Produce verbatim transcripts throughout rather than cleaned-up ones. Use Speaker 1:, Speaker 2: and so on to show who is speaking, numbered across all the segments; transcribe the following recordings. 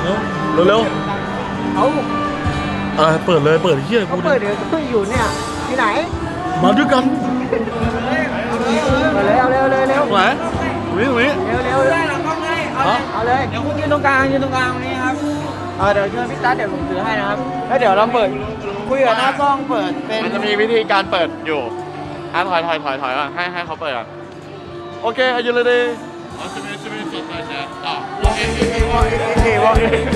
Speaker 1: เร็วเร็ว
Speaker 2: เขา
Speaker 1: เออเปิดเลยเปิดเฮีย
Speaker 2: เขา
Speaker 1: กู
Speaker 2: เปิดเดี๋ยวก็อยู่เนี่ยที่ไหน
Speaker 1: มาด้วยกัน
Speaker 2: มาเลยเอาเร็วเร็วเร็ว
Speaker 1: ไหนตรงนี้ตรงนี้
Speaker 2: เร็วเร็วได้หลังกล้องเลยเอาเลยเดี๋ยวคุณยืนตรงกลางยืนตรงกลางตรงนี้ครับเออเดี๋ยวเชิญพี่ตั๊ดเดี๋ยวผมถือให้นะครับแล้วเดี๋ยวเราเปิดคุยกับหน้ากล้องเปิดเป็น
Speaker 3: มันจะมีวิธีการเปิดอยู่อ่ะถอยถอยถอยถอยก่อนให้ให้เขาเปิดก่อนโอเคอายุเลยดิอ๋อจะมีจะมีสิทธิ์นะต่อวอล์กอินวอล์กอินวอล์กอิน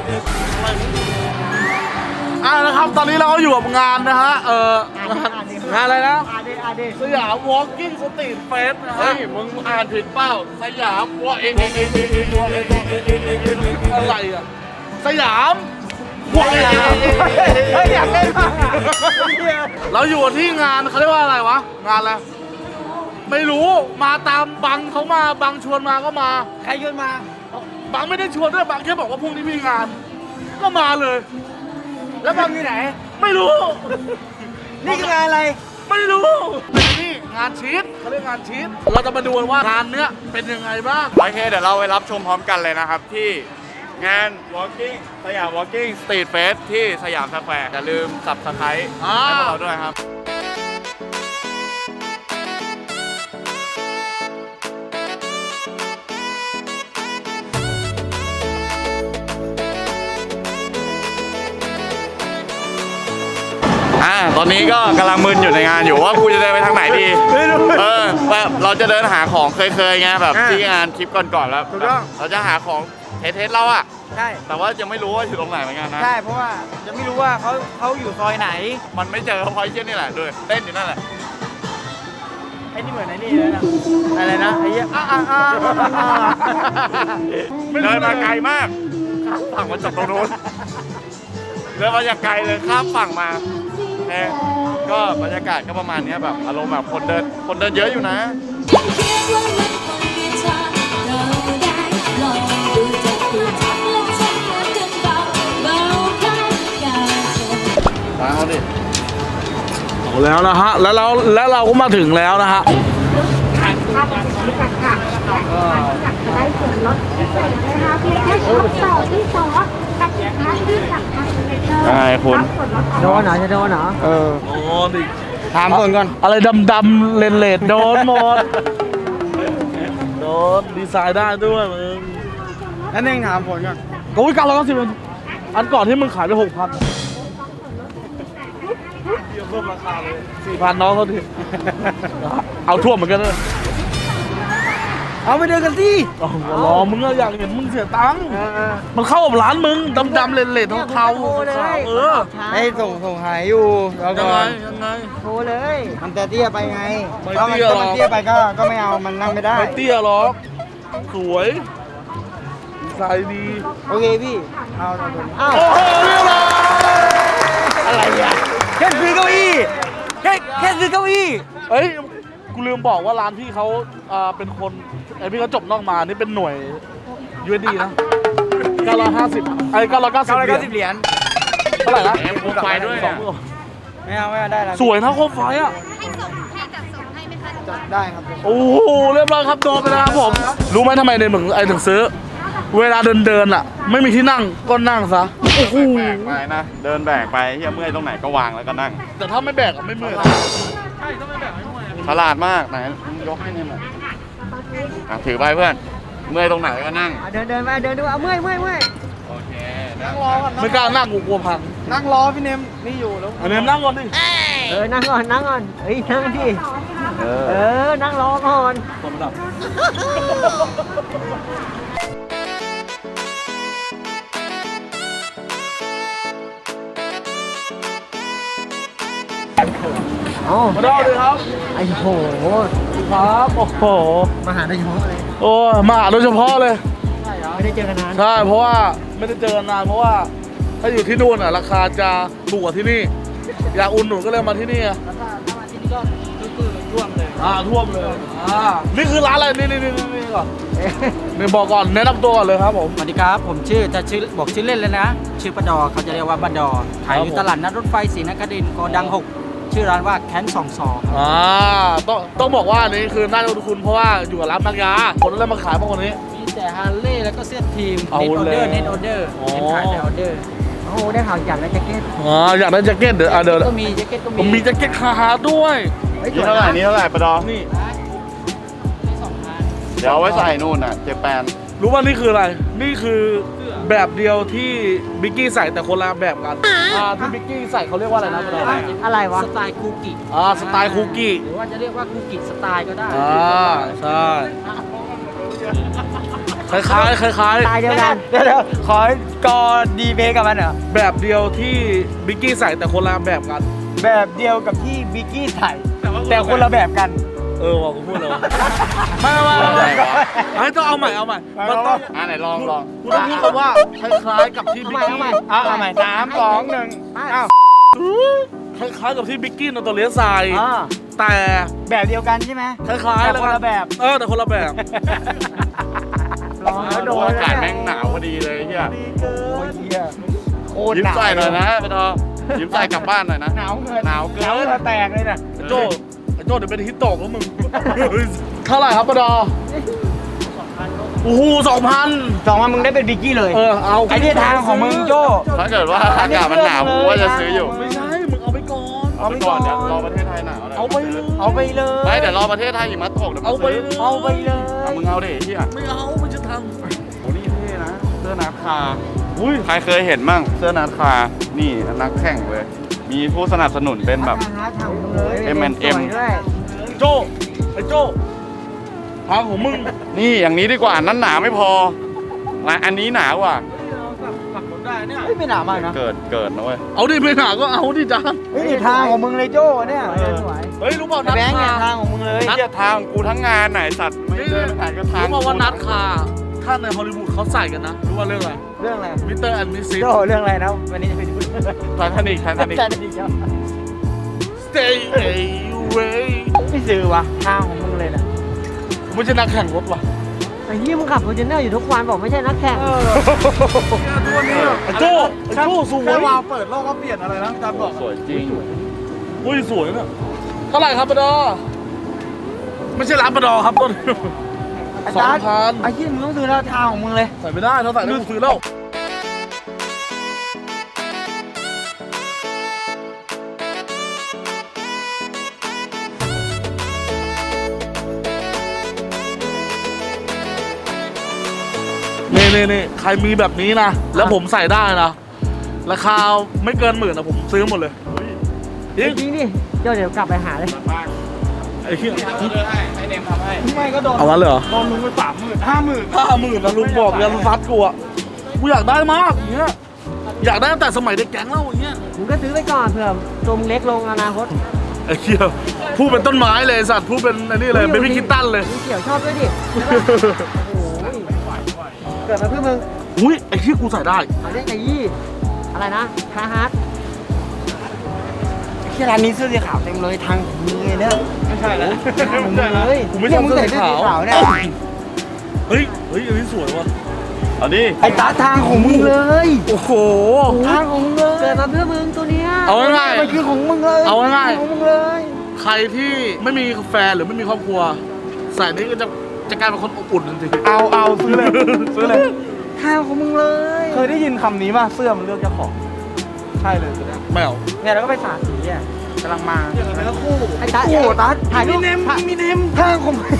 Speaker 1: อ่านะครับตอนนี้เราก็อยู่กับงานนะฮะเอองานอะไรนะ
Speaker 2: อาเดอาเด
Speaker 1: สยาม Walking Street Fest นะฮะ
Speaker 3: เฮ้ยมึงอ่านผิดเปล่าสยามวอล์กอินวอล์กอินวอล์กอิน
Speaker 1: อะไรอ่ะสยาม Walking
Speaker 2: เฮ้ยอยากเล่นมากอ่ะ
Speaker 1: เราอยู่ที่งานเขาเรียกว่าอะไรวะงานอะไรไม่รู้มาตามบังเขามาบังชวนมาก็มา
Speaker 2: ใครชวนมา
Speaker 1: บังไม่ได้ชวนด้วยบังแค่บอกว่าพรุ่งนี้มีงาน ก็มาเลย
Speaker 2: แล้วบังอยู่ไหน
Speaker 1: ไม่รู้
Speaker 2: นี่คืองานอะไร
Speaker 1: ไม่รู้แต่นี่งานชีตเขาเรียกงานชีตเราจะมาดูกันว่างานเนี้ยเป็นยังไงบ้าง
Speaker 3: โอเคเดี๋ยวเราไปรับชมพร้อมกันเลยนะครับที่งาน Walking สยาม Walking Street Fest ที่สยามสแควร์อย่าลืม Subscribe ให้พวกเราด้วยครับอ่าตอนนี้ก็กำลังมึนอยู่ในงานอยู่ว่ากูจะเดินไปทางไหนดีเออแบบเราจะเดินหาของเคยๆไงแบบที่งานคลิปก่อนๆแล้วเราจะหาของเทสๆเราอะ
Speaker 2: ใช่
Speaker 3: แต่ว่ายังไม่รู้ว่าอยู่ตรงไหนเหมือนกันนะ
Speaker 2: ใช่เพราะว่าจะไม่รู้ว่าเขาเขาอยู่ซอยไหน
Speaker 3: มันไม่เจอเพราะไอ้เชี่ยนี่แหละด้วยเต้นอยู่นั่นแหละ
Speaker 2: ไอ้นี่เหมือนไอ้นี่เลยนะอะไรนะไอ้เหี้ยอ่ะอ่ะอ่ะอ่ะ
Speaker 3: เดินมาไกลมากข้ามฝั่งมาจากตรงนู้นเดินมาจากไกลเลยข้ามฝั่งมาเน่ก็บรรยากาศก็ประมาณนี้แบบอารมณ์แบบคนเดินคนเดินเยอะอยู่นะมาเอาดิ
Speaker 1: เอาแล้วนะฮะแล้วเราแล้วเราก็มาถึงแล้วนะฮะ
Speaker 4: จะได้ส่วนลดพิเศษนะคะเพียงแค่ช็อปต่อที่ซอสกับสินค้าที่สั่งทางอินเทอร์เน็ต
Speaker 3: ใช่คุณ
Speaker 2: โดนเหรอจะโดนเหรอเออ
Speaker 1: โอ้ดิ
Speaker 2: ถามคนก่อน
Speaker 1: อะไรดำๆเลนเลดโดนหมดโดนดีไซน์ได้ด้วยมึง
Speaker 2: นั่นเองถามผลก่อน
Speaker 1: โอ้ยเก้าร้อยเก้าสิบอันก่อนที่มึงขายไปหกพันเพิ่มราคาเลยสี่พันน้องเขาดิเอาทั่วเหมือนกันเลย
Speaker 2: เอาไปเดินกันสิ
Speaker 1: อ๋อรอมึงอะอยากเห็นมึงเสียตังค์มันเข้ากับร้านมึงดำๆเลนเลดเทาๆเออ
Speaker 2: ให้ส่งส่งหายอยู่แล้ว
Speaker 1: ยั
Speaker 2: ก็
Speaker 1: งไงยังไง
Speaker 2: โทรเลย มันจะเตี้ยไปไง
Speaker 1: ไม่
Speaker 2: ถ้ามัน
Speaker 1: เตี้ยหรอก
Speaker 2: ถ้ามันเตี้ยไปก็ก็ไม่เอามันนั่งไม่ได้
Speaker 1: ไม่เตี้ยหรอกสวยดีไซน์ดี
Speaker 2: โอเคพี่เอาเอาตัวนี้อ้าว
Speaker 1: โอ้โหเรียบร้อย
Speaker 2: อะไรอ่ะแค่ซื้อเก้าอี้แค่แค่ซื้อเก้าอี้
Speaker 1: เอ้ยกูลืมบอกว่าร้านพี่เขาอ่าเป็นคนไอพี่เขาจบนอกมานี่เป็นหน่วย ยู เอส ดี นะเก้าร้อยห้าสิบไอ้เก้าร้อยเก้าสิบ
Speaker 2: เก้าร้อยเก้าสิบเหรียญ
Speaker 1: เท่าไหร่นะ
Speaker 3: แหมโคมไฟด้วย
Speaker 1: ส
Speaker 3: เนี่
Speaker 1: อง
Speaker 3: ย
Speaker 1: หมื่น
Speaker 2: ไม่เอาไม่เอาได้แล้ว
Speaker 1: สวยนะโคมไฟอ่ะ
Speaker 2: จัดได้ครับ
Speaker 1: โอ้โหเรียบร้อยครับโดนไปแล้วครับผม รู้ไหมทำไมในมึงไอ้ถึงซื้อ เวลาเดินเดินๆอ่ะ ไม่มีที่นั่งก็นั่งซะโอ้โห
Speaker 3: แบกไปนะเดินแบกไปเฮียเมื่อยตรงไหนก็วางแล้วก็นั่ง
Speaker 1: แต่ถ้าไม่แบกอะไม่เมื่อย
Speaker 3: ฉลาดมากไหนยกให้เนี่ยหน่อยอ่ะถือไปเพื่อนเมื่อยตรงไหนก็นั่ง
Speaker 2: เดินเดินมาเดินดูเอาเมื่อยเมื่อยเมื่อย
Speaker 3: โอเค
Speaker 2: นั่งรอก่อน
Speaker 1: ไม่กล้านั่งกูกลัวพัง
Speaker 2: นั่งรอพี่เนมนี่อยู่แล้ว
Speaker 1: อันนี้นั่งก่อนดิ
Speaker 2: เออนั่งก่อนนั่งก่อนเฮ้ยนั่งดิ
Speaker 3: เอ
Speaker 2: เอ
Speaker 3: อ
Speaker 2: อนั่งรอก่อน
Speaker 1: สมดับ
Speaker 2: อ๋อ
Speaker 1: มาดูเลยครับ
Speaker 2: ไอ้โห
Speaker 1: ครับโอ้โห
Speaker 2: มาหาได้เฉพาะเลย
Speaker 1: โอ้ยมาหาโดยเฉพาะเลย
Speaker 2: ใช่เหรอไม่ได้เจอกันนาน
Speaker 1: ใช่เพราะว่าไม่ได้เจอกันนานเพราะว่าถ้าอยู่ที่นู่นอ่ะราคาจะถูกกว่าที่นี่ อยากอุ่นหนุนก็เลยมาที่นี่อ่ะ
Speaker 2: ถ้าถ้ามาที่นี่ก็คือท่วมเลย
Speaker 1: อ่าท่วมเลยอ่านี่คือร้านอะไรนี่นี่นี่นี่ก่อนนี่บอกก่อนแนะนำตัวก่อนเลยครับผม
Speaker 5: สวัสดีครับ ผมชื่อจะชื่อบอกชื่อเล่นเลยนะ ชื่อปะดอเขาจะเรียกว่าปะดอขายอยู่ตลาดนัดรถไฟศรีนครินทร์โกดังหกชื่อร้านว่าแคนสองสอง
Speaker 1: อ่าต้องต้องบอกว่าอันนี้คือน่าจะคุณเพราะว่าอยู่กับร้านบางยาคนนั้นเลยมาขายพวกคนนี้
Speaker 5: มีแต่ฮาร์เลย์แล้วก็เสื้อทีม
Speaker 1: เอา
Speaker 5: เน้นออเดอร์
Speaker 1: แล้ว
Speaker 5: เน้นออเดอร์
Speaker 1: อ๋อ
Speaker 5: เน้นขายแต่ออเดอร์
Speaker 2: โอ้โหได้ข่าวอยากได้แจ็คเก็ต
Speaker 1: อ๋ออยากได้แจ็คเก็ตเดี๋ยวอ่ะเดี๋ยว
Speaker 5: ก็มีแจ็คเก็ตก็
Speaker 1: ผม
Speaker 5: มี
Speaker 1: มีแจ็คเก็ตคาฮาร์ดด้วย
Speaker 3: นี่เท่าไหร่นี่เท่าไหร่ปะดอ
Speaker 1: นี่
Speaker 5: สองพัน
Speaker 3: เดี๋ยวเอาไว้ใส่นู่นน่ะเจแปน
Speaker 1: รู้ว่านี่คืออะไร นี่คือแบบเดียวที่บิกกี้ใส่แต่คนละแบบกันอ่าที่บิกกี้ใส่เขาเรียกว่าอะไรนะปะดอ
Speaker 2: อะไรวะ
Speaker 5: สไตล์คูกิ
Speaker 1: อ่าสไตล์คุกกี้
Speaker 5: หรือว่าจะเรียกว่าคูกิสไตล์ก็ได้
Speaker 1: อ่าใช่คล้ายๆคล้าย
Speaker 2: ตายเดียวกันเดี๋ยวๆขอกอดีเพกับมันเหรอ
Speaker 1: ๆแบบเดียวที่บิกกี้ใส่แต่คนละแบบกัน
Speaker 2: แบบเดียวกับที่บิกกี้ใส่แต่คนละแบบกัน
Speaker 1: เออว่ากูพูดแล้วไม่ไม่ไม่ไอ้ต้องเอาใหม่เอาใหม่มันต้อง
Speaker 3: อ่าไหนลองลอง
Speaker 1: กูต้องพูดคำว่าคล้ายๆกับที่บิกกี้
Speaker 2: เอาเอาใหม่สามสองหนึ่งอ้าว
Speaker 1: คล้ายๆกับที่บิกกี้นอตัวเลียใส่
Speaker 2: อ่า
Speaker 1: แต่
Speaker 2: แบบเดียวกันใช่ไหม
Speaker 1: คล้ายๆ
Speaker 2: แต่คนละแบบ
Speaker 1: เออแต่คนละแบบ
Speaker 2: ลองแล้วโดน
Speaker 3: อากาศแม่งหนาวพอดีเลยเฮีย
Speaker 2: โอ้ยเหี้ยโคตร
Speaker 3: ยิ้ม
Speaker 2: หนาว
Speaker 3: ใส่หน่อยนะปะดอยิ้มใส่กลับบ้านหน่อยนะ
Speaker 2: หนาวเกิน
Speaker 3: หนาวเกิน
Speaker 2: หนาวเหงื่อแตกเลยนะ
Speaker 1: ไอ้โจ้ไอ้โจ้เดี๋ยวเป็นฮิตโตกแล้วมึง เท่าไหร่ครับปะดอโอ้โหสองพัน
Speaker 2: สองวันมึงได้เป็นบิกกี้เลย
Speaker 1: เออเอา
Speaker 2: ไอ้นี่ทางของมึงโจ้
Speaker 3: ถ้าเกิดว่าอากาศมันหนาวกูว่าจะซื้ออยู่
Speaker 1: ไม่ใช่มึงเอาไปก่อน
Speaker 3: เอาไปก่อนเดี๋ยวรอประเทศไทยหนาวหน่ย
Speaker 1: เอาไปเลย
Speaker 2: เอาไปเลย
Speaker 3: ไม่เดี๋ยวรอประเทศไทยหิมะตกเดี๋ยว
Speaker 1: เอาไป
Speaker 3: ซื้
Speaker 1: เลย
Speaker 2: เอาไปเลย
Speaker 3: เอามึงเอาดิเฮีย
Speaker 1: ไม่เอามันจะท
Speaker 3: โอ้นี่เท่นะเสื้อนาคา
Speaker 1: ำอุ้ย
Speaker 3: ใครเคยเห็นมั่งเสื้อนาคานี่นักแข่งเลยมีผู้สนับสนุนเป็นแบบ เอ็ม แอนด์ เอ็ม
Speaker 2: สวยด้วย
Speaker 1: โจ้ไอ้โจ้ทางของมึง
Speaker 3: นี่อย่างนี้ดีกว่านั้นหนาไม่พอและอันนี้หนากว่า
Speaker 2: เฮ้ยไม่หนามากนะ
Speaker 3: เกิดเกิดนะเว้ย
Speaker 1: เอาดิไม่หนาก็เอาดิจ้า
Speaker 2: เฮ้ยนี่ทางของมึงเลยโจ้เนี่ยสวย
Speaker 1: เฮ้ยรู้เปล่า
Speaker 2: ไอ้
Speaker 1: นัด
Speaker 2: แบงค์เนี่ย
Speaker 1: คา
Speaker 2: ทางของมึงเลย
Speaker 3: เทียทางกูทั้งงานไหนสัตว์ไม่เดินผ่านก็ทาง
Speaker 1: รู้เปล่าว่านัดคาถ้าในฮอลลีวูดเขาใส่กันนะรู้ว่าเรื่องอะไร
Speaker 2: เรื่องอะไร
Speaker 1: มิสเตอร์แอนด์มิสซิส
Speaker 2: โจ้เรื่องอะไรนะวันนี้จะไปดูเรื่องอะไร
Speaker 3: ไททานิกไททานิก
Speaker 2: แต่ดีจ้ะ
Speaker 1: Stay away
Speaker 2: ไม่ซื้อวะทางของมึงเลยนะ
Speaker 1: ไม่ใช่นักแข่งรถว่ะ
Speaker 6: ไอ้เหี้ยมึงขับฟอร์จูเนอร์อยู่ทุกวันบอกไม่ใช่นักแข่ง
Speaker 1: ไอ้โจ้ไอ้โจ้สวย
Speaker 3: แค่วาวเปิดโลกก็เปลี่ยนอะไรนะจำบอกสวยจริง
Speaker 1: อุ้ยสวยเนี่ยเท่าไหร่ครับปะดอไม่ใช่ร้านปะดอครับต้น
Speaker 2: ไอ้
Speaker 1: สอง
Speaker 2: ตา
Speaker 1: พัน
Speaker 2: ไอ้ยี่มึงต้องซื้อแล้วทางของมึงเลย
Speaker 1: ใส่ไม่ได้ถ้าใส่แล้วกูซื้อแล้วนี่นี่นี่ใครมีแบบนี้นะ แล้วผมใส่ได้นะ ราคาไม่เกินหมื่นนะผมซื้อหมดเลยจริง
Speaker 6: จริงดิเดี๋ยวเดี๋ยวกลับไปหาเลย
Speaker 1: ไอ้เหี้ย
Speaker 3: ให้เนมทำให้
Speaker 2: ไม่ก็โดน
Speaker 1: เอางั้นเลยเหรอ
Speaker 2: โดนมึงไปสามหมื่นห้าหมื่น
Speaker 1: ห้าหมื่นนะลุงบอกยันซัดกูอะกูอยากได้มากอย่างเงี้ยอยากได้ตั้งแต่สมัยเด็กแก๊งแล้วอย่างเงี้ย
Speaker 6: มึงก็ซื้อไปก่อนเผื่อตัวมึงเล็กลงอนาคต
Speaker 1: ไอ้เหี้ยพูดเป็นต้นไม้เลยสัตว์พูดเป็นไอ้นี่เลยเป็นพี่คิดตันเลย
Speaker 6: มึงเกี่ยวชอบด้วยดิโอ้โหเกิดมาเพื่อมึง
Speaker 1: อุ้ยไอ้เหี้ยกูใส่ได้
Speaker 6: เอาเรียกไอ้ยี่อะไรนะคาฮาร์ด
Speaker 2: ที่ร้านนี้เสื้อสีขาวเต็มเลยทางของมึงเลยเนี่ย
Speaker 3: ไม่ใช่แล้ว
Speaker 2: ทางของมึงเลย
Speaker 1: กูไม่ชอบ
Speaker 2: มึง
Speaker 1: เสื้อ
Speaker 2: ใส่
Speaker 1: สี
Speaker 2: เสื้อ
Speaker 1: ขาว
Speaker 2: สีขาวเนี่ย
Speaker 1: เฮ้ยเฮ้ยอันนี้สวยว่ะ
Speaker 3: เอาดิ
Speaker 2: ไอ้ตาทางของมึงเลย
Speaker 1: โอ้โห
Speaker 2: ทางของมึงเลย
Speaker 6: เกิดมาเพื่อมึงตัวเนี้ย
Speaker 1: เอาง่าย
Speaker 2: มันคือของมึงเลย
Speaker 1: เอาง่ายๆ
Speaker 2: ของมึงเลย
Speaker 1: ๆใครที่ไม่มีแฟนหรือไม่มีครอบครัว ใส่นี่ก็จะจะกลายเป็นคนอบอุ่นทันที
Speaker 2: เอาเอาซื้อเลยซื้อเลยทางของมึงเลย เคยได้ยินคำนี้ป่ะเสื้อมันเลือกเจ้าของใช่เลยตัวเนี้ย
Speaker 1: ไม่เอา
Speaker 2: เนี่ยเราก็ไปสาดสีอ่ะกำลังมาเนื้อคู่
Speaker 6: ไอ้ตา
Speaker 2: โอ้โหตัด
Speaker 6: ถ่ายรูป
Speaker 2: มีเนมมีเนมทางของมึง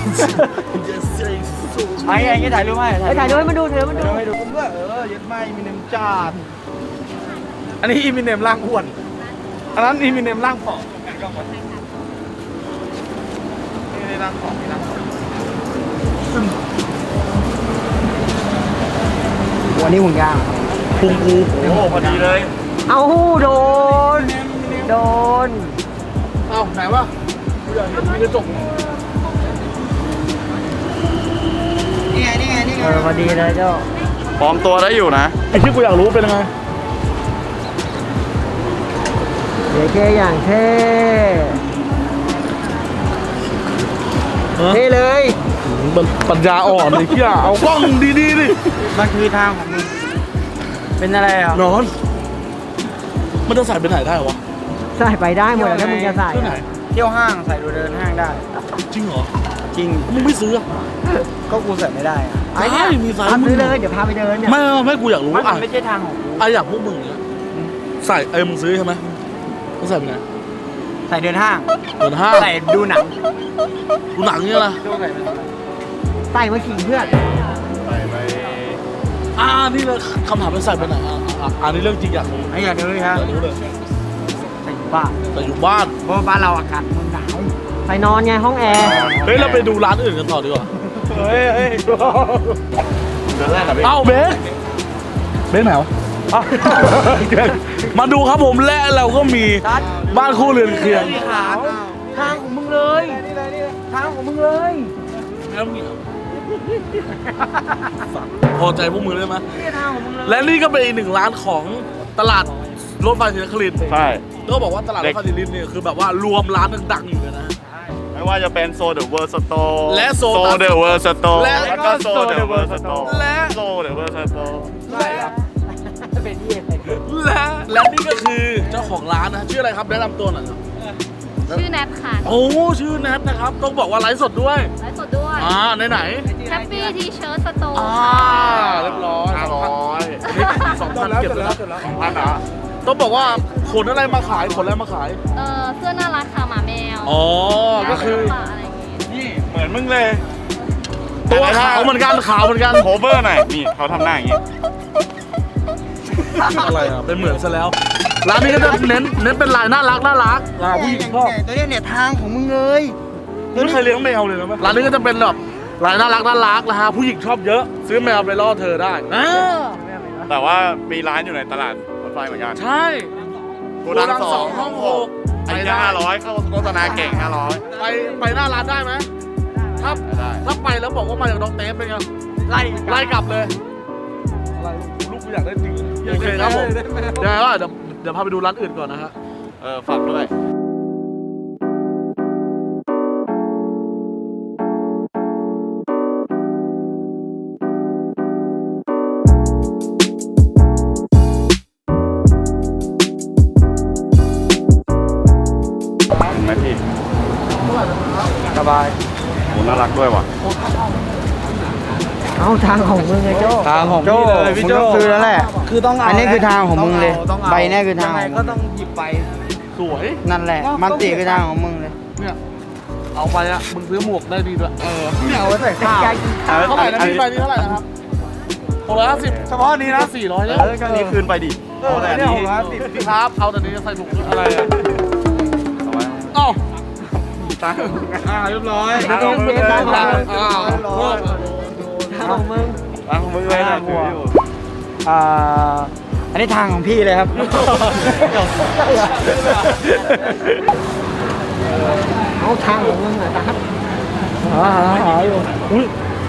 Speaker 2: ไอ้ไอ้เงี้ยถ่ายรูปให้
Speaker 6: ไปถ่ายรูปให้มันดูเถอะมันดู
Speaker 2: ให้ดูผมด้วยเออยัดไม่มีเนมจาดอันนี้อีมีเนมร่างอ้วนอันนั้นอีมีเนมร่างผอมนี่ร่างผอมนี่ร่างผอมวันนี้หุ่นยาง
Speaker 1: พุงกู
Speaker 3: โอ้โหพอดีเลย
Speaker 6: เอาโดนโดน
Speaker 1: เอ้าไหนวะกูอยากเห็นมีกระจก
Speaker 2: นี่ไงนี่ไงนี่ไง
Speaker 6: เออพอดีเลยเจ้า
Speaker 3: ปลอมตัวได้อยู่นะ
Speaker 1: ไอ้ที่กูอยากรู้เป็นยังไง
Speaker 6: เดี๋ยวเกอย่างเท่
Speaker 1: ฮะ
Speaker 6: เท่เลย
Speaker 1: มันปัญญาอ่อนเลยเหี้ยเอากล้องดีๆดิ
Speaker 2: มันคือทางของมึงเป็นอะไรอ่ะ
Speaker 1: นอน มันจะใส่ไปไหนได้วะ
Speaker 6: ใส่ไปได้หมดแล้วถ้ามึงจะใส่
Speaker 1: ที่ไหน
Speaker 2: เที่ยวห้างใส่ดูเดินห้างได้
Speaker 1: จริงเหรอ
Speaker 2: จจริง
Speaker 1: มึงไม่ซื้อ
Speaker 2: ก็กูใส่ไม่ได้อะ
Speaker 1: ใช่มีไซส์
Speaker 6: พา
Speaker 1: มึ
Speaker 6: ซื้
Speaker 1: ง
Speaker 6: อเลยเดี๋ยวพาไปเดินเนี่ย
Speaker 1: ไม่ไม่ไม่กูอยากรู้
Speaker 2: มัน
Speaker 1: อ่ะ
Speaker 2: ไม่ใช่ทางของกู
Speaker 1: ไอ้อย่างพวกมึงเนี่ยใส่เอ้ยมึงซื้อใช่ไหมมึงใส่ไปไหน
Speaker 2: ใส่เดินห้าง
Speaker 1: เดินห้าง
Speaker 2: ใส่ดูหนัง
Speaker 1: ดูหนังเนี่ยนะ
Speaker 6: ใส่มาขิงเพื่อน
Speaker 3: ใส่ไป
Speaker 1: อ่านี่เลยคำถามเป็นใส่ไปไหนอ่ะอ่ะอันนี้เรื่องจริงอยากรู้
Speaker 2: ไอ้อย่างนี้เลยครับ
Speaker 1: อยากรู้เลย
Speaker 2: ใส่อยู่บ้าน
Speaker 1: แต่อยู่บ้าน
Speaker 2: เพราะว่าบ้านเราอากาศมันหนาว
Speaker 6: ไปนอนไงห้องแอร์
Speaker 1: เฮ้ยเราไปดูร้านอื่นกันต่อดีกว่า
Speaker 2: เฮ้ยเฮ้ย
Speaker 3: เดือนแรกอะพี่
Speaker 1: เอ้าเบสเบสไหนวะอ้าวมาดูครับผมและเราก็มีบ้านคู่เรือนเคียง
Speaker 2: ขาวทางของมึงเลยทางของมึงเลย
Speaker 1: แล้วมีพอใจพวกมึงได้ไหม
Speaker 2: นี่ทางของมึงเลย
Speaker 1: และนี่ก็เป็นอีกหนึ่งร้านของตลาดรถไฟศรีนครินทร์
Speaker 3: ใช่
Speaker 1: ก็บอกว่าตลาดรถไฟศรีนครินทร์เนี่ยคือแบบว่ารวมร้านดังๆอยู่เลยนะ
Speaker 3: ไม่ว่าจะเป็นโซเดอะเวิร์สโต
Speaker 1: และโซ
Speaker 3: โซเดอะเวิร์สโต
Speaker 1: และ
Speaker 3: แล้วก็โซเดอะเวิร์สโต
Speaker 1: และ
Speaker 3: โซเดอะเวิร์สโต
Speaker 2: เป็นที่อะไร
Speaker 1: และและนี่ก็คือเจ้าของร้านนะชื่ออะไรครับแนะนำตัวหน่อยครับ
Speaker 7: ชื่อแนทค่ะ
Speaker 1: โอ้ชื่อแนทนะครับต้องบอกว่าไลฟ์สดด้วย
Speaker 7: ไลฟ์สดด้วย
Speaker 1: อ่าไหนไหน
Speaker 7: แฮปปี้ทีเชิร์ตสโตร์
Speaker 1: อ่า
Speaker 7: ค่ะ
Speaker 1: เรียบร้อย
Speaker 3: ห้าร้อย
Speaker 1: สองพันเก็บเลยนะ
Speaker 3: พันเหรอ
Speaker 1: ต้องบอกว่าขนอะไรมาขายขนอะไรมาขาย
Speaker 7: เออเสื้อน่ารักค่ะหมาแมว
Speaker 1: อ๋อก็คือ
Speaker 7: หมาอะไรอย่างงี้
Speaker 3: นี่เหมือนมึงเลย
Speaker 1: ตัวขาวเหมือนกันขาวเหมือนกัน
Speaker 3: โคเวอร์หน่อยนี่เขาทำหน้าอย่างงี้
Speaker 1: อะไรอ่ะเป็นเหมือนซะแล้วร้านนี้ก็จะเน้นเน้นเป็นลายน่ารักน่ารักอ่าผู้หญิงชอบ
Speaker 2: ตัวนี้เนี่ยทางของมึงเลย
Speaker 1: ไม่เคยเลี้ยงแมวเลยนะร้านนี้ก็จะเป็นแบบลายน่ารักน่ารักนะฮะผู้หญิงชอบเยอะ ซื้อแมวไปล่อเธอได้อ่า
Speaker 3: แต่ว่ามีร้านอยู่ในตลาดรถไฟเหมือนกัน
Speaker 1: ใช่
Speaker 3: โกดังสองห้องหกอันนี้ห้าร้อยเข้าโฆษณาเก่งห้าร้อย
Speaker 1: ไปไปหน้าร้านได้ไหมถ้า
Speaker 3: ได้
Speaker 1: ถ้าไปแล้วบอกว่ามาจากน้องเต้เป็นไง
Speaker 2: ไล่
Speaker 1: ไล่กลับเลยอะไรลูกกูอยากได้จริงโอเคครับผมเดี๋ยวก็เดี๋ยวเดี๋ยวพาไปดูร้านอื่นก่อนนะฮะ
Speaker 3: เออฝากด้วย เห็นไหมพี่
Speaker 2: สบาย
Speaker 3: โหน่ารักด้วยว่ะ
Speaker 6: เอาทางของมึงไงโจ้
Speaker 2: ทางของพี่เลยพี่โจมึงต้องซื้อแล้วแหละ
Speaker 6: คือต้องเอา
Speaker 2: อันนี้คือทางของมึงเลย
Speaker 6: ต้องอา
Speaker 2: ใบเนี่ยคือทางของมึง
Speaker 6: ยังไงก็ต้องหยิบไป
Speaker 1: สวย
Speaker 2: นั่นแหละ มันติคือทางของมึงเลย
Speaker 1: เนี่ยเอาไปอะมึงซื้อหมวกได้ดีด้วยเออ
Speaker 6: เนี่ยเอาไว้ใส่ข้าว
Speaker 1: เท่าไหร่นะพี่ใบนี้เท่าไหร่นะครับหกร้อยห้าสิบ
Speaker 6: เฉพาะนี้นะ
Speaker 1: สี่ร้อยแล้ว
Speaker 3: เออก็นี้คืนไปดิ
Speaker 6: เออ
Speaker 3: เอาแต่อัน
Speaker 6: เนี่ย
Speaker 3: นี้
Speaker 6: หกร้อยสิบ
Speaker 1: พี่ครับเอาแต่นี้จะใส่ถุงอะไรอะ
Speaker 3: เอาไว้
Speaker 1: เอ้า
Speaker 3: ตังค์
Speaker 6: อ่าเรียบร้อย
Speaker 3: ทางของมึงเลย
Speaker 6: ทางของมึง
Speaker 1: อ้าว
Speaker 6: ทางของมึง
Speaker 3: ทางของมึงเลยนะถืออยู่
Speaker 2: อ่า อันนี้ทางของพี่เลยครับ
Speaker 6: เอาทางของมึงหน่อยครับหาหาหาอยู่
Speaker 1: อุ้ย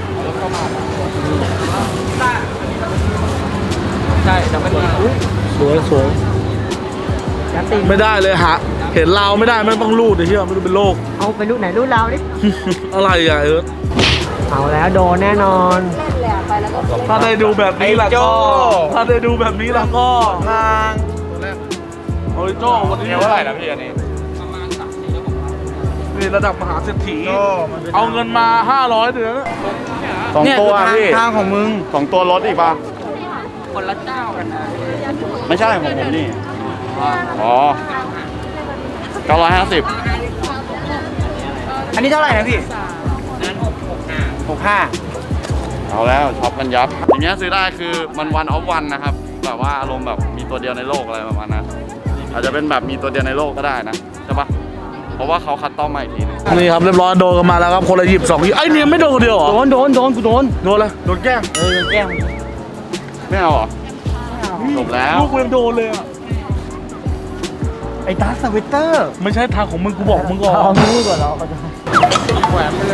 Speaker 2: ใช่แต่มันอุ้ย
Speaker 1: สวยสวย
Speaker 6: ยัดติง
Speaker 1: ไม่ได้เลยฮะเห็นเราไม่ได้ไม่ต้องรูดไอ้เหี้ยไม่รู้เป็นโรค
Speaker 6: เอาไปรูปไหนรูปเราดิ
Speaker 1: อะไรอ่ะเออ
Speaker 6: เอาแล้วโดนแน่นอน
Speaker 1: ถ้าได้ดูแบบนี้ล่ะก็ถ้าได้ดูแบบนี้ล่ะก็
Speaker 2: ทาง
Speaker 1: โอ้ยโจ้วันนี้
Speaker 3: เดี๋ยวเท่าไหร่นะพี่อันนี้
Speaker 1: นี่ระดับมหาเศรษฐี
Speaker 3: โจ้มันเป็น
Speaker 1: เอาเงินมาห้าร้อยเดือนนะ
Speaker 3: สอง
Speaker 2: เนี่ย
Speaker 3: ตัว
Speaker 2: คือทาง
Speaker 3: พี่
Speaker 2: ทางของมึง
Speaker 3: สองตัวรถอีกป่ะ
Speaker 2: คนละเจ้ากันนะ
Speaker 3: ไม่ใช่ของผมนี่ อ๋อเก้าร้อยห้าสิบ
Speaker 2: อันนี้เท่าไหร่นะพี่หกห้า
Speaker 3: เอาแล้วช็อปกันยับ อย่างเงี้ยซื้อได้คือมันวันออฟวันนะครับ แบบว่าอารมณ์แบบมีตัวเดียวในโลกอะไรประมาณนั้น อาจจะเป็นแบบมีตัวเดียวในโลกก็ได้นะใช่ปะเพราะว่าเขาคัดต้อมมาอีกทีนึง
Speaker 1: นี่ครับเรียบร้อยโดนกันมาแล้วครับคนละหยิบสองหยิบไอ้เนี่ยไม่โดนคนเดียวเหรอ
Speaker 2: โดนโดนโดนกูโดน
Speaker 1: โดนเลยโดนแกล้ง
Speaker 2: เออแก้ม
Speaker 3: ไม่เอาเหรอจบแล้ว
Speaker 1: ลูกกูยังโดนเลยอ่ะ
Speaker 2: ไอ้ตาสวิตเตอร์
Speaker 1: ไม่ใช่ทางของมึงกูบอกมึงก่อน
Speaker 6: เอามือก่อนเราก็จะ
Speaker 2: แหวนไปเลย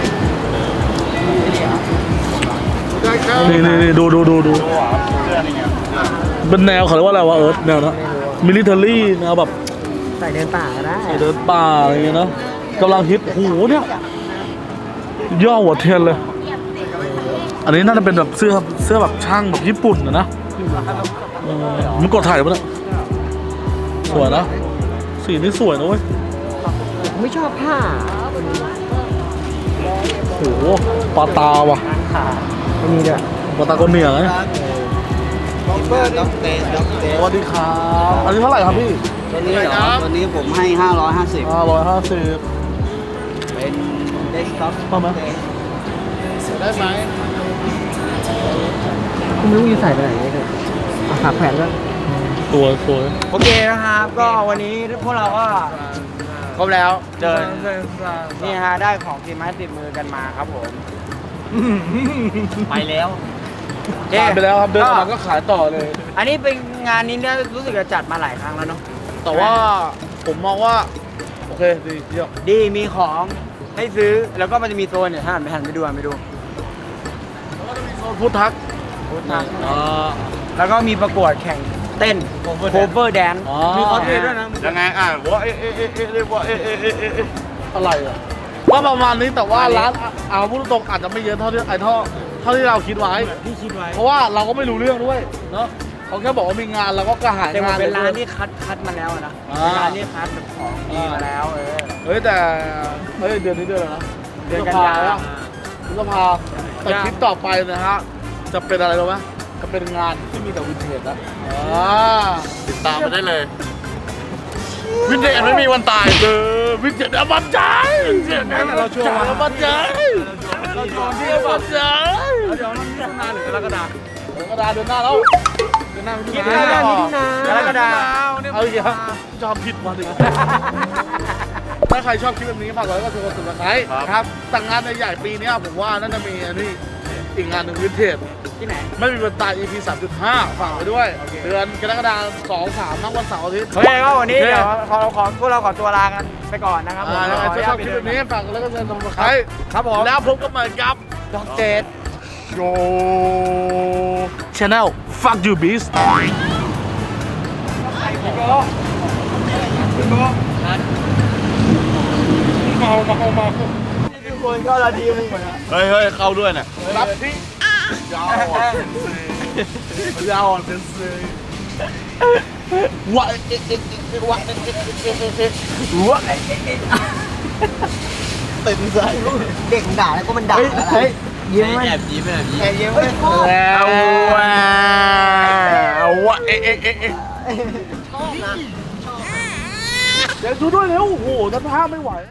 Speaker 1: นี่นี่นี่ดูดูดูดู
Speaker 3: เสื้อนี่ไง
Speaker 1: เป็นแนวเขาเรียกว่าอะไรวะเอิร์ธแนวนะมิลิเทอรี่แนวแบบ
Speaker 6: ใส่เดินป่าก็ได้
Speaker 1: เดินป่าอะไรอย่างเงี้ยเนาะกำลังฮิตโอ้โหเนี่ยย่อหัวเทียนเลย อันนี้น่าจะเป็นแบบเสื้อเสื้อแบบช่างแบบญี่ปุ่นนะนะเออมันกดถ่ายปะเนี่ยสวยนะสีนี่สวยนะเว้ย
Speaker 6: ไม่ชอบผ้า
Speaker 1: โหปลาตาว่ะ
Speaker 6: ไม่มีด้วย
Speaker 1: ปลาตาคนเหนือไง
Speaker 6: ด็อกเตอร์ด็อกเตอร์ด็อกเตอ
Speaker 1: ส
Speaker 6: ร์
Speaker 1: วัสดีครับอันนี้เท่าไหร่ครับพี่
Speaker 6: ตัวนี้เหรอตัวนี้ผมให้ห้าร้อยห้าสิบ
Speaker 1: ห้าร้อยห้าสิบ
Speaker 6: เป็นเดสก์ท็อป
Speaker 1: เข้าไหม
Speaker 3: ได้ไหม
Speaker 6: คุณไม่รู้จะใส่ไปไหนเลยขาแขวนด้วย
Speaker 1: สวยสวย
Speaker 2: โอเคนะครับก็วันนี้พวกเราก็ครบแล้วเดินนี่ฮะได้ของทีมไม้ติดมือกันมาครับผม
Speaker 5: ไปแล้ว
Speaker 2: เอ๊ะ
Speaker 1: ผ่านไปแล้วครับเดินออกมาก็ขายต่อเลย
Speaker 2: อันนี้เป็นงานนี้เนี่ยรู้สึกจะจัดมาหลายครั้งแล้วเนาะ
Speaker 1: แต่ว่าผมมองว่า โอเคดีเยี่ยม
Speaker 2: ดีมีของให้ซื้อแล้วก็มันจะมีโซนเนี่ยถ้าหันไปหันไปดูหันไปดู
Speaker 1: แล้วก็จะมีโซนพุทธัก
Speaker 2: พุทธัก
Speaker 1: อ่า
Speaker 2: แล้วก็มีประกวดแข่งเต้นโคเวอร์แดน
Speaker 1: อ๋อ
Speaker 2: มีคอสเพลย์ด้วยนะ
Speaker 3: ยังไงอ่ะวะเอ๊ะเอ๊ะเอ๊ะเอ๊ะเรียกว่าเอ๊ะเอ๊ะเอ๊ะเอ๊ะเอ๊ะ
Speaker 1: อะไรอ่ะก็ประมาณนี้แต่ว่าร้านเอาพูดตรงๆอาจจะไม่เยอะเท่าที่ไอ้เท่าเท่าที่เราคิดไว้
Speaker 2: ที่คิดไว้
Speaker 1: เพราะว่าเราก็ไม่รู้เรื่องด้วยเนาะเขาแค่บอกว่ามีงานเราก็กระหาย
Speaker 2: แต่มัน
Speaker 1: งาน
Speaker 2: เป็นร้าน
Speaker 1: ลย
Speaker 2: ที่คัดคัดมาแล้วอะนะ
Speaker 1: อ่า
Speaker 2: เป็นร้านที่คัดแบบของดีมาแล้วเออ
Speaker 1: เฮ้ยแต่เฮ้ยเดือนนี้เดือนอะไรนะ
Speaker 2: เดือนกันยา
Speaker 1: พฤษภาแต่คลิปต่อไปนะฮะจะเป็นอะไรรู้ไหมจะเป็นงานที่มีแต่วินเทจนะอ่า
Speaker 3: ติดตามไปได้เลย วินเทจไม่มีวันตายเลยวินเทจอมตะวินเทจ
Speaker 1: เราโชว์
Speaker 3: อมตะ
Speaker 1: เราโชว์ที่อมตะ
Speaker 3: เดี๋ยวมันมิถุนาหรือกรกฎาคม
Speaker 1: เดือนกระดาเดือนหน้าแล้วเดือนหน้ามิถุ
Speaker 2: คิด
Speaker 1: นา
Speaker 2: ได้ยังมิถุนากรกฎาคม
Speaker 1: เอาอีกแล้วจำผิดมาดิถ้าใครชอบคลิปแบบนี้ฝากกดไลค์กดแชร์กดติดตามครับแต่งงานใหญ่ๆปีนี้ผมว่าน่าจะมีอันนี้อีกงานหนึ่งวินเทจ
Speaker 2: ที่ไหน
Speaker 1: ไม่มีวันตาย อี พี สามจุดห้า ฝากไว้ด้วย เดือนกรกฎาคมสองสามทั้งวันเสาร์อาทิตย์
Speaker 2: โอเคก็วันนี้
Speaker 1: โอเค
Speaker 2: เดี๋ยวขอขอพวกเราขอตัวลากันไปก่อนนะครับผม
Speaker 1: อ่าแล้วใคร
Speaker 2: ขออนุ
Speaker 1: ช
Speaker 2: ญา
Speaker 1: อ
Speaker 2: ต
Speaker 1: บ
Speaker 2: ไป
Speaker 1: คลิป
Speaker 2: เดิ
Speaker 1: แบบนี้ฝากกดไลค์กดแชร์กดติดตาม
Speaker 2: ครับผม
Speaker 1: แล้วพบกันใหม่กับ
Speaker 2: ดอกเจด
Speaker 3: โช
Speaker 1: Channel Fuck You Beast
Speaker 3: เมาเมาเมา
Speaker 2: ทุกคนก็ละทีมึงเหมือน
Speaker 3: เฮ้ยเฮ้ยเข้าด้วยเนี่ย
Speaker 1: รับที่ยาวอ่ะยาวอ่ะเป็นซื้อวะเอ๊ะเอ๊ะเอ๊ะวะเอ๊ะเอ๊ะเอ๊ะเอ๊ะเอ๊ะวะเอ๊ะเอ๊ะเอ๊ะเต็มใจ
Speaker 6: เด็กด่าแล้วก็มันด่าแล้ว
Speaker 1: เฮ้ย
Speaker 6: ยิ้มไหม
Speaker 5: แอบยิ้มแอบยิ้ม
Speaker 2: แกเยิ้มเลย
Speaker 1: แล้ว
Speaker 3: เอาวะเอ๊ะเอ๊ะเอ๊ะเอ๊ะ
Speaker 1: เดี๋ยวดูด้วยเร็วโอ้โหท่านภาพไม่ไหว